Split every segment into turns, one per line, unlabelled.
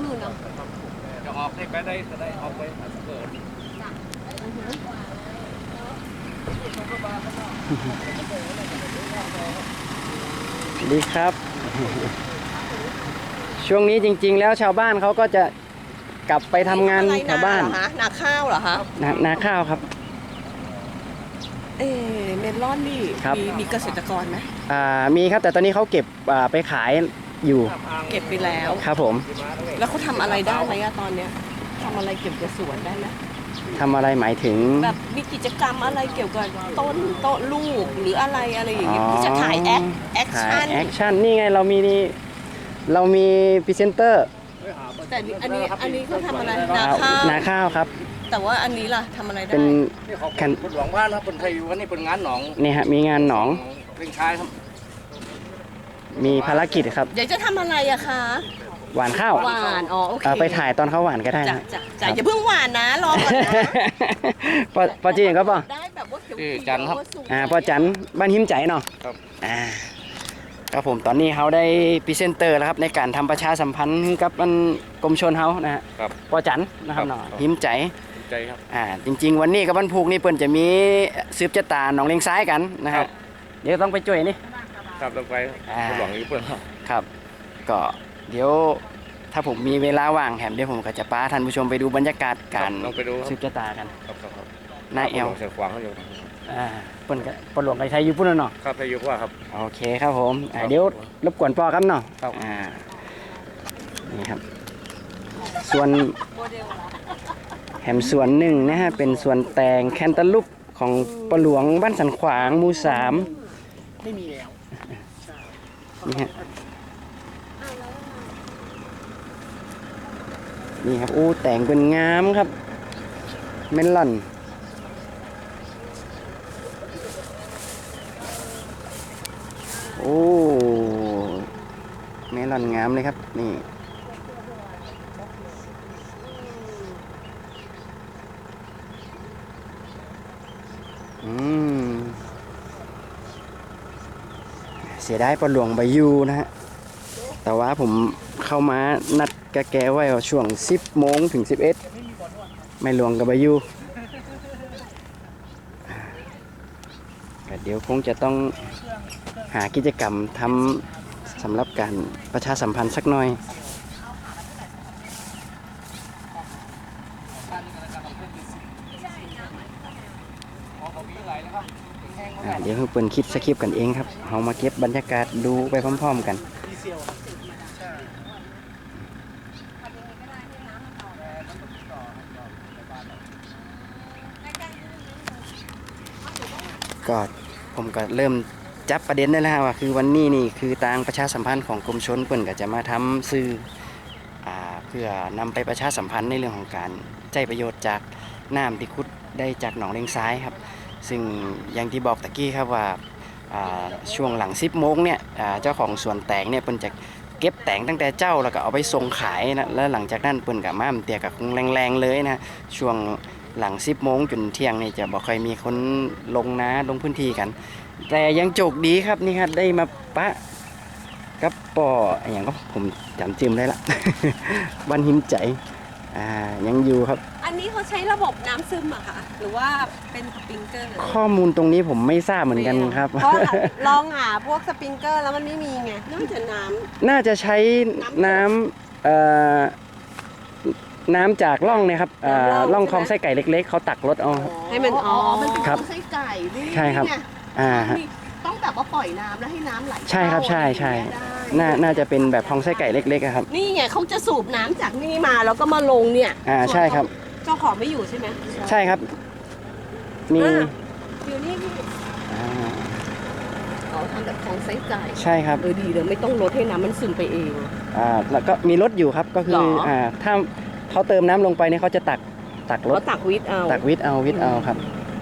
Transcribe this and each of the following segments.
นู่นเนาะ
จะออกได้ไปได้ก็ได้ออกไปเกิด
ดีครับ ช่วงนี้จริงๆแล้วชาวบ้านเขาก็จะกลับไปทำงานแถวบ้าน
นาข้าวเหรอคะ
นาข้าวครับ
เมลอนนี่มีเกษตรกรไหม
มีครับแต่ตอนนี้เขาเก็บไปขายอยู่
เก็บไปแล้ว
ครับผม
แล้วเขาทำอะไรได้ไหมตอนเนี้ยทำอะไรเกี่ยวกับสวนได้ไหม
ทำอะไรหมายถึง
แบบมีกิจกรรมอะไรเกี่ยวกับต้นลูกหรืออะไรอย่างเงี้ยที่จะถ่ายแอค
ชั่นนี่ไงเรามีพรีเซนเตอร์
แต่อันนี้เขาทำอะไร
นาข้าวครับ
แต่ว่าอันนี้ล่ะทำอะไรได้
เป็น
แข่งหลวงบ้านครับคนไทยวันนี้เป็นงานหนอง
นี่ฮะมีงานหนอง
เล่นชายครับ
มีภารกิจครับ
เดี๋ยวจะทำอะไรอะคะ
หวานข้าว
หวานโอเค
ไปถ่ายตอนเขาหวานก็ได้นะ
อย่าเพิ่งหวานนะรอก่อนนะ
พอจีนก็ป่ะ
ได้แบบว่าเขียว
จันครับ
พอจันบ้านหิมใจเนาะ
ครับ
ครับผมตอนนี้เขาได้พรีเซนเตอร์แล้วครับในการทำประชาสัมพันธ์กับกรมชลเขานะฮะพอจันนะครับเนาะหิมใจ
ครับ
จริงๆวันนี้กับวันพุกนี่เปิ้นจะมีสืบชะตาหนองเลงซ้ายกันนะฮะเดี๋ยวต้องไปช่วยนี่
ครับต้องไปหลวงอีเปิ้ล
ครับก็เดี๋ยวถ้าผมมีเวลาว่างแถมเดี๋ยวผมก็จะพาท่านผู้ชมไปดูบรรยากาศการสืบชะตากันนายแอล
เสียขวางเขาอยู่
เปิ้นปหลวงไก่ไทยอยู่พุ่นเนาะ
ครับไทยอยู่ว่าครับ
โอเคครับผมเดี๋ยวรบกวนพ่อครับเนาะนี่ครับส่วนแหมส่วนหนึ่งนะฮะเป็นส่วนแตงแคนตาลูปของปหลวงบ้านสันขวางหมู่3
ไม่มีแล้ว
นี่ฮะนี่ครับแต่งเป็นงามครับเมลอนเมลอนงามเลยครับนี่เสียดายปลาหลวงใบยูนะฮะแต่ว่าผมเข้ามานัดกะแกไว้ช่วง10 โมงถึง 11ไม่หลวงกับใบยูเดี๋ยวคงจะต้องหากิจกรรมทำสำหรับการประชาสัมพันธ์สักหน่อยเดี๋ยวเปิดคิดสคริปต์กันเองครับเรามาเก็บบรรยากาศดูไปพร้อมๆกันก็ผมก็เริ่มจับประเด็นได้แล้วว่าคือวันนี้นี่คือทางประชาสัมพันธ์ของกรมชลเปิ้นก็จะมาทำสื่อเพื่อนำไปประชาสัมพันธ์ในเรื่องของการใช้ประโยชน์จากน้ำที่ขุดได้จากหนองเลงซ้ายครับซึ่งอย่างที่บอกตะกี้ครับว่าช่วงหลัง10 โมงเนี่ยเจ้าของสวนแตงเนี่ยเปิ้นจะเก็บแตงตั้งแต่เจ้าแล้วก็เอาไปส่งขายนะแล้วหลังจากนั้นเปิ้นก็มาเตียกับคงแรงๆเลยนะช่วงหลัง10 โมงจนเที่ยงนี่จะบอกใครมีคนลงพื้นที่กันแต่ยังโชคดีครับนี่ครับได้มาปะกับป่ออย่างก็ผมจำจิ้มได้ละ วันหิมใจยังอยู่ครับ
อันนี้เขาใช้ระบบน้ำซึมอะค่ะหรือว่าเป็นสปริงเกอร์
ข้อมูลตรงนี้ผมไม่ทราบเหมือนกันครับ
เพราะลองหาพวกสปริงเกอร์แล้วมันไม่มีไง
น่าจะใช้น้ำจากร่องเนี่ยครับร่องคลองไส้ไก่เล็กๆเขาตักรถเอา
ให้มันมันเป็นคลองไส้ไก่
ใช่ครับ
ต้องแบบว่าปล่อยน้ำแล้วให้น้ำไหล
ใช่ครับใช่น่าจะเป็นแบบคลองไส้ไก่เล็กๆครับ
นี่ไงเขาจะสูบน้ำจากนี่มาแล้วก็มาลงเนี่ย
ใช่ครับ
เจ้าของไม่อยู่ใช่ไหม
ใช่ครับมี
อยู่นี่พี่ทำแบบคลองไส้ไก่
ใช่ครับ
ดีเลยไม่ต้องลดให้น้ำมันซึมไปเอง
แล้วก็มีรถอยู่ครับก็คือถ้าเขาเติมน้ำลงไปเนี่ยเขาจะตักรถ
ตักวิทเอา
ครับ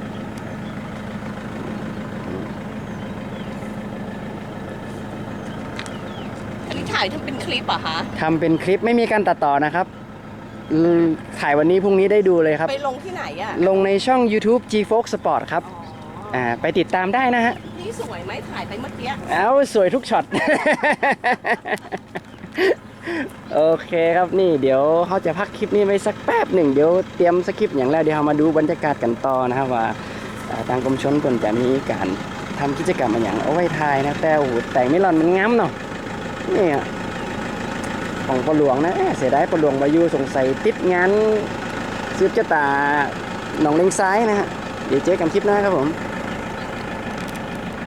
อันนี้ถ่ายทำเป็นคลิปอ่ะคะ
ทำเป็นคลิปไม่มีการตัดต่อนะครับถ่ายวันนี้พรุ่งนี้ได้ดูเลยครับ
ไปลงที่ไหนอ่ะ
ลงในช่อง YouTube G-Fox Sport ครับไปติดตามได้นะฮะ
นี่สวยไหมถ่ายไปเมื่อกี้
สวยทุกช็อตโอเคครับนี่เดี๋ยวเขาจะพักคลิปนี้ไว้สักแป๊บหนึ่งเดี๋ยวเตรียมสคริปต์อย่างแรกเดี๋ยวเรามาดูบรรยากาศกันต่อนะครับว่าทางกรมชลเพิ่นจะมีการทำกิจกรรมอะไรอย่างเอาไว้ทายนะแต่โอ้โหแต่งไม่หล่อนมันงามเนาะนี่อะของปลวงนะเสียดายปลวงมาอยู่สงสัยติดงานสืบชะตาหนองเลงซ้ายนะฮะเดี๋ยวเจอกันคลิปหน้าครับผม